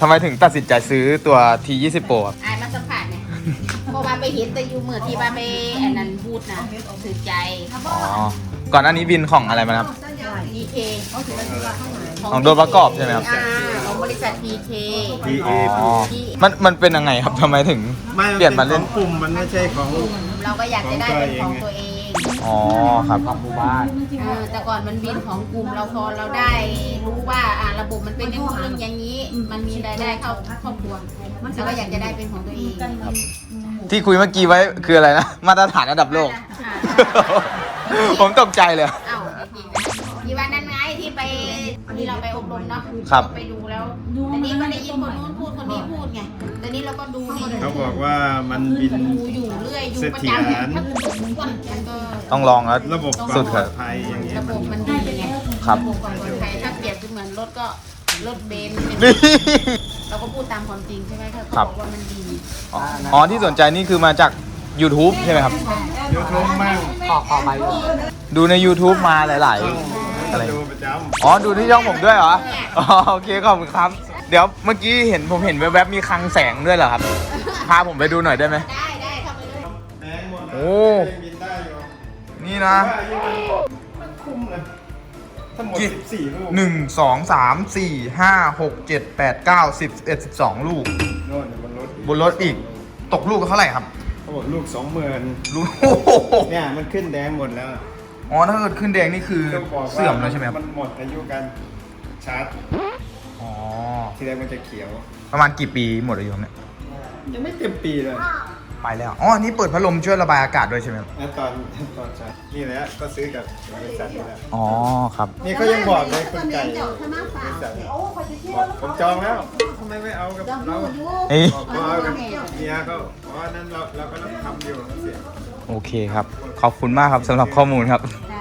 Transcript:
ทำไมถึงตัดสินใจซื้อตัว T20 Pro ครับอายมาสัมผัสเนี่ยเพราะว่าไปเห็นแต่อยู่เมื่อที่ว่าไปอันนั้นพูดนะถือใจอ๋อ ก่อนหน้านี้บินของอะไรมาครับ PK ของตัวประกอบใช่ไหมครับของบริษัท PK อ๋อ มันเป็นยังไงครับทำไมถึงเปลี่ยนมาเล่นกลุ่มมันไม่ใช่ของเราก็อยากจะได้เป็นของตัวเองอ๋อครับของหมู่บ้านแต่ก่อนมันบินของกลุ่มเราพอเราได้รู้ว่าระบบมันเป็นอย่างนู้นอย่างนี้ มันมีรายได้เข้าครอบครัวเราก็อยากจะได้เป็นของตัวเองที่คุยเมื่อกี้ไว้คืออะไรนะ มาตรฐานระดับโลก ผมตกใจเลยเอ้าจริงๆนะที่วันนั้นไงที่ไปที่เราไปอบรมเนาะครับไปดูแล้วแต่นี้ก็ได้ยินคนนู้นพูดคนนี้พูดไงแต่นี้เราก็ดูนี่เขาบอกว่ามันบินดูอยู่เรื่อยอยู่ประจำทั้งทุกวันมันก็ต้องลองแล้วระบบความสุดปคลรัอบ ดภัยอย่างเงี้ยระบบมันดีไงครับระบบความปลอดภัยถ้าเปรียบเหมือนรถก็รถเบนซ์นี่เราก็พูดตามความจริงใช่ไหมเขาครับบอกว่ามันดีอ๋อที่สนใจนี่คือมาจาก YouTube ใช่ไหมครับยูทูบมั่งดูใน YouTube มาหลายๆ อะไรดูประจอ๋อ ดูที่ช่องผมด้วยเหรอ อ๋อ โอเค ขอบคุณครับ เดี๋ยวเมื่อกี้ผมเห็นแวบๆมีคลังแสงด้วยเหรอครับ พาผมไปดูหน่อยได้ไหมได้เข้าไปเลยำแดงหมดนะโอ้บินได้อยู่นี่นะว่าอายุมันคุ้มเลยทั้งหมด14 ลูกหนึ่งสองสามสี่ห้าหกเจ็ดแปดเก้าสิบ11 12 ลูกโน่นบนรถบนรถอีก ตกลูกเท่าไหร่ครับเขาบอกลูก 20,000 ลูก โอ้โหเนี่ยมันขึ้นแดงหมดแล้วอ๋อ ถ้าเกิดขึ้นแดงนี่คือต้องบอกว่าเสื่อมแล้วใช่ไหมครับมันหมดอายุการชาร์จอ๋อทีแรกมันจะเขียวประมาณกี่ปีหมดอายุครับเนี่ยยังไม่เต็มปีเลยไปแล้ว อ๋ออันนี้เปิดพัดลมช่วยระบายอากาศด้วยใช่ไหมครับแล้วตอนชาร์จนี่แหละก็ซื้อกับบริษัทนี่แหละอ๋อ ครับนี่เขายังบอกเลยคุณไก่บริษัทบอกผมจองแล้วทำไมไม่เอากับเราเอ้ยบอกว่าเอากับเมียเขาเพราะว่านั้นเราก็ต้องทำอยู่เสียโอเคครับ ขอบคุณมากครับสำหรับข้อมูลครับได้